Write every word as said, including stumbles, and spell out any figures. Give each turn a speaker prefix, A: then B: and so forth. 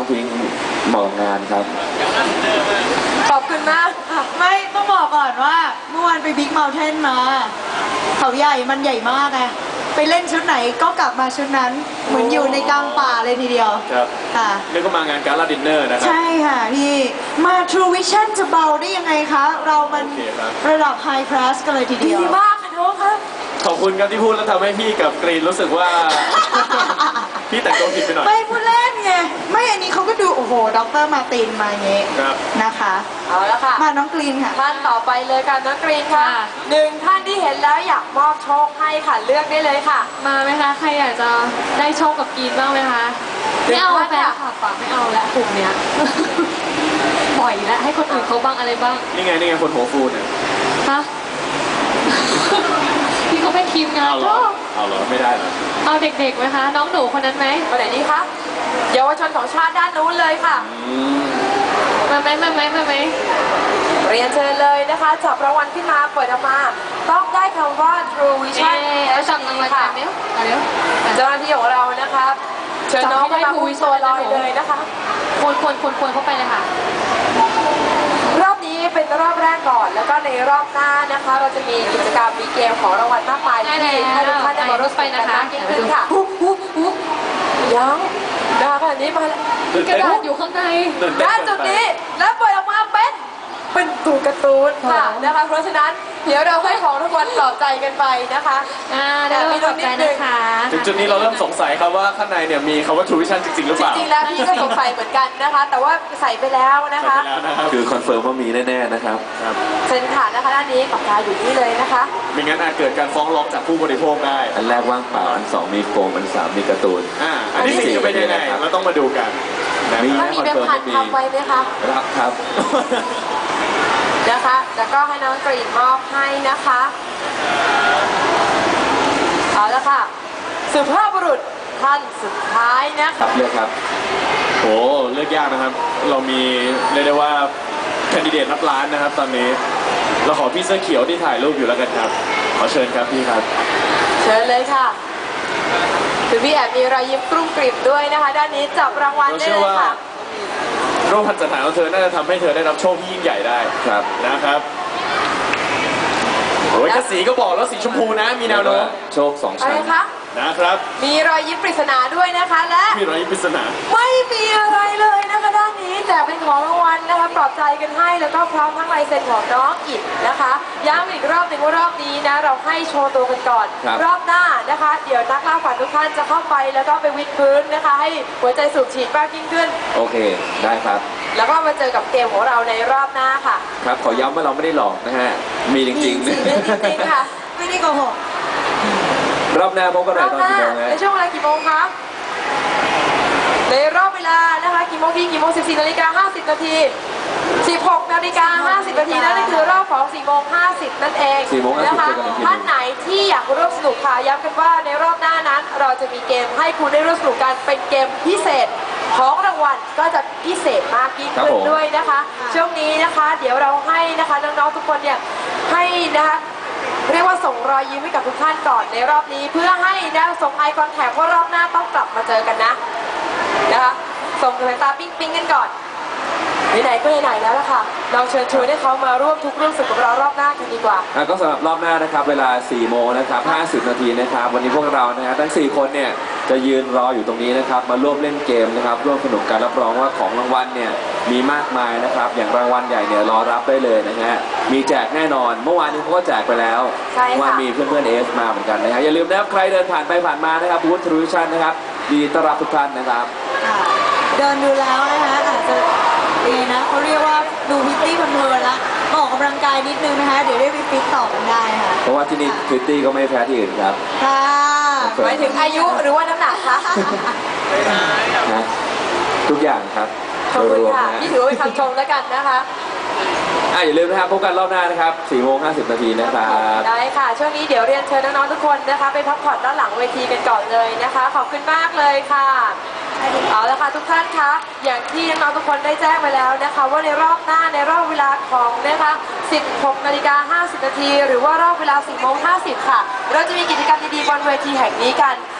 A: พิงค์เหมาะงานครับ
B: ขอบคุณมากไม่ต้องบอกก่อนว่าเมื่อวานไปบิ๊กเมลเทนมาเขาใหญ่มันใหญ่มากไงไปเล่นชุดไหนก็กลับมาชุดนั้นเหมือนอยู่ในกลางป่าเลยทีเดียว
C: ครับ
B: ค่ะ
C: นี่ก็มางานการ์ลาดินเนอร์นะครับ
B: ใช่ค่ะพี่มา True Vision จะเบาได้ยังไงคะเรามันระดับ High Class กันเลยทีเดียว
D: ดีมากค่ะน้องครับ
C: ขอบคุณครับที่พูดแล้วทำให้พี่กับกรีนรู้สึกว่าพี่แต่งตัวผิดไปหน่อย
B: ไม่พูดเล่นไงไม่อันนี้เขาก็ดูโอ้โหด็อกเตอร์มาตินมาเงี้ยนะคะ
D: เอาละค่ะ
B: มาน้องกรีนค่ะ
D: ท่านต่อไปเลยค่ะน้องกรีนค่ะหนึ่งท่านที่เห็นแล้วอยากมอบโชคให้ค่ะเลือกได้เลยค่ะ
E: มาไหมคะใครอยากจะได้โชคกับกรีนบ้างไหมคะไม่เอาแฟนคลับอะไม่เอาแล้วกลุ่มเนี้ยปล่อยแล้วให้คนอื่นเขาบ้างอะไรบ้าง
C: นี่ไงนี่ไงคนหัวฟูเนี่ย
E: ฮะพี่เขาเป็นทีมงาน
C: เอาเหรอเอาเหรอไม่ได้เหรอ
E: เอาเด็กๆไหมคะน้องหนูคนนั้นไหม
D: คนไหนดีคะเยาวชนของชาติด้านนู้นเลยค่ะ
E: มาไหมมาไหมมาไหม
D: เรียนเชิญเลยนะคะจับรางวัลขึ้นมาเปิดออกมาต้องได้คำว่า True Vision
E: แล้วจับรางวัลกันเนี้ย
D: เจ้าหน้าที่ของเรานะคะเชิญน้องให้มาคุยตัวลอยเลยนะคะ
E: ควรควรควรควรเข้าไปเลยค่ะ
D: รอบนี้เป็นรอบแรกก่อนแล้วก็ในรอบหน้านะคะเราจะมีกิจกรรมมีเกมของรางวัลมากมายที่ให้ทุกท่านได้มาร่วมกันมากยิ่งขึ้นค่ะยังดาขนาดนี้มาแล้ว
E: กระดาษอยู่ข้างใน
D: ด้านจุดนี้แล้วเปิดออกมาเป็นเป็นตัวการ์ตูนค่ะนะคะเพราะฉะนั้นเดี๋ยวเราให้ของทุกคนปลอบใจกันไปนะคะ
E: อ่าเดี๋ยวปลอบใจนะคะ
C: ถึงจุดนี้เราเริ่มสงสัยครับว่าข้างในเนี่ยมีคำว่า True Vision จริงๆหรือเปล่า
D: จริงๆแล้วพี่ก็สงสัยเหมือนกันนะคะแต่ว่าใส่ไปแล้วนะคะ
A: คือคอนเฟิร์มว่ามีแน่ๆนะครับ
D: เซ็นค่ะนะคะด้านนี้ปากกาอยู่นี่เลยนะคะ
C: ไม่งั้นอาจเกิดการฟ้องร้องจากผู้บริโภคได้
A: อันแรกว่างเปล่าอันสองมีโฟมอันสามมีการ์ตูน
C: อ่าอันที่สี่จะเป็นยังไงเราต้องมาดูกัน
A: มี
D: ถ้ามีเป็นพันทำไว้ไหมคะ
A: รับครับ
D: นะคะแล้วก็ให้น้องกรีนมอบให้นะคะเอาละค่ะสุภาพบุรุษท่านสุดท้ายนะครับ
A: เลือกครับ
C: โอ้เลือกยากนะครับเรามีเรียกได้ว่าแคนดิเดตรับล้านนะครับตอนนี้เราขอพี่เสื้อเขียวที่ถ่ายรูปอยู่แล้วกันครับขอเชิญครับพี่ครับ
D: เชิญเลยค่ะคือพี่แอบมีรอยยิ้มกรุ้งกริบด้วยนะคะด้านนี้จับรางวัลได้เลยค่ะ
C: โรคพันธุ์สถานของเธอน่าจะทำให้เธอได้รับโชคที่ยิ่งใหญ่ได้
A: ครับ
C: นะครับโอ้ยกระสีก็บอกแล้วสีชมพูนะมีแนวโน้ม
A: โชคสองชั้น
D: อะไรคะ
C: นะครับ
D: มีรอยยิ้มปริศนาด้วยนะคะและ
C: มีรอยยิ้มปริศนา
D: ไม่มีอะไรเลยนะคะด้านนี้แต่เป็นของรางวัลนะคะปลอบใจกันให้แล้วก็พร้อมทั้งลายเซ็นของน้องอีกนะคะย้ำอีกรอบหนึ่งว่ารอบนี้นะเราให้โชว์ตัวกันก่อนรอบหน้านะคะเดี๋ยวนักล่าฝันทุกท่านจะเข้าไปแล้วก็ไปวิดพื้นนะคะให้หัวใจสูบฉีดมากยิ่งขึ้น
A: โอเคได้ครับ
D: แล้วก็มาเจอกับเกมของเราในรอบหน้าค่ะ
A: ครับขอย้ำว่าเราไม่ได้หลอกนะฮะมีจริงๆจริง
D: ๆค่ะ
B: ไม่ได้โกหก
A: รอบหน้าพบกันหน่อยตอนกี่โมง
D: ในช่วงเวลากี่โมงคะในรอบเวลานะคะกี่โมงกี่กี่โมงสิบสี่นาฬิกาห้าสิบนาทีสิบหกนาฬิกาห้าสิบนาทีนั่นคือรอบของสี่โมงห้าสิบนั่นเองนะคะท่านไหนที่อยากร่วมสนุกค่ะย้ำกันว่าในรอบหน้านั้นเราจะมีเกมให้คุณได้ร่วมสนุกกันเป็นเกมพิเศษของรางวัลก็จะพิเศษมากยิ่งขึ้นด้วยนะคะช่วงนี้นะคะเดี๋ยวเราให้นะคะน้องๆทุกคนเนี่ยให้นะคะเรียกว่าส่งรอยยิ้มให้กับทุกท่านก่อนในรอบนี้เพื่อให้นะส่งไอคอนแท็กว่ารอบหน้าต้องกลับมาเจอกันนะนะคะส่งสายตาปิ๊งปิ๊งกันก่อนไหนๆก็ไหนๆแล้วล่ะค่ะเราเชิญชวนให้เขามาร่วมทุกเรื่องสุขกับเรารอบหน้ากันดีกว่า
A: ก็สำหรับรอบหน้านะครับเวลาสี่โมงนะครับห้าสิบนาทีนะครับวันนี้พวกเรานะฮะทั้งสี่คนเนี่ยจะยืนรออยู่ตรงนี้นะครับมาร่วมเล่นเกมนะครับร่วมสนุกกันรับรองว่าของรางวัลเนี่ยมีมากมายนะครับอย่างรางวัลใหญ่เนี่ยรอรับได้เลยนะฮะมีแจกแน่นอนเมื่อวานนี้เขาก็แจกไปแล้วว่ามีเพื่อนๆเอสมาเหมือนกันนะฮะอย่าลืมนะครับใครเดินผ่านไปผ่านมานะครับบูธ True Vision นะครับดีต้อนรับทุกท่านนะครับ
B: เดินดูแล้วนะคะอาจจะดีนะเขาเรียกว่าดูพิตตี้เพลินๆละออกกำลังกายนิดนึงนะคะเดี๋ยวได้ไปฟิตต่อกันได้ค่ะ
A: เพราะว่าที่นี่พิตตี้ก็ไม่แพ้ที่อื่นครับ
B: ค่ะ
D: หมายถึงอายุหรือว่าน้ำหนักคะ
A: ทุกอย่างครับ
D: ขอบคุณค่ะนี่ถือว่าเป็นคำชมแล้วกันนะคะ
A: อย่าลืมนะครับพบกันรอบหน้านะครับสี่โมงห้าสิบนาทีนะครับ
D: ได้ค่ะช่วงนี้เดี๋ยวเรียนเชิญน้องๆทุกคนนะคะไปพักผ่อนด้านหลังเวทีกันก่อนเลยนะคะขอบคุณมากเลยค่ะเอาละค่ะทุกท่านคะอย่างที่น้องๆทุกคนได้แจ้งไปแล้วนะคะว่าในรอบหน้าในรอบเวลาของนะคะสิบหกนาฬิกาห้าสิบนาทีหรือว่ารอบเวลาสี่โมงห้าสิบค่ะเราจะมีกิจกรรมดีๆบนเวทีแห่งนี้กัน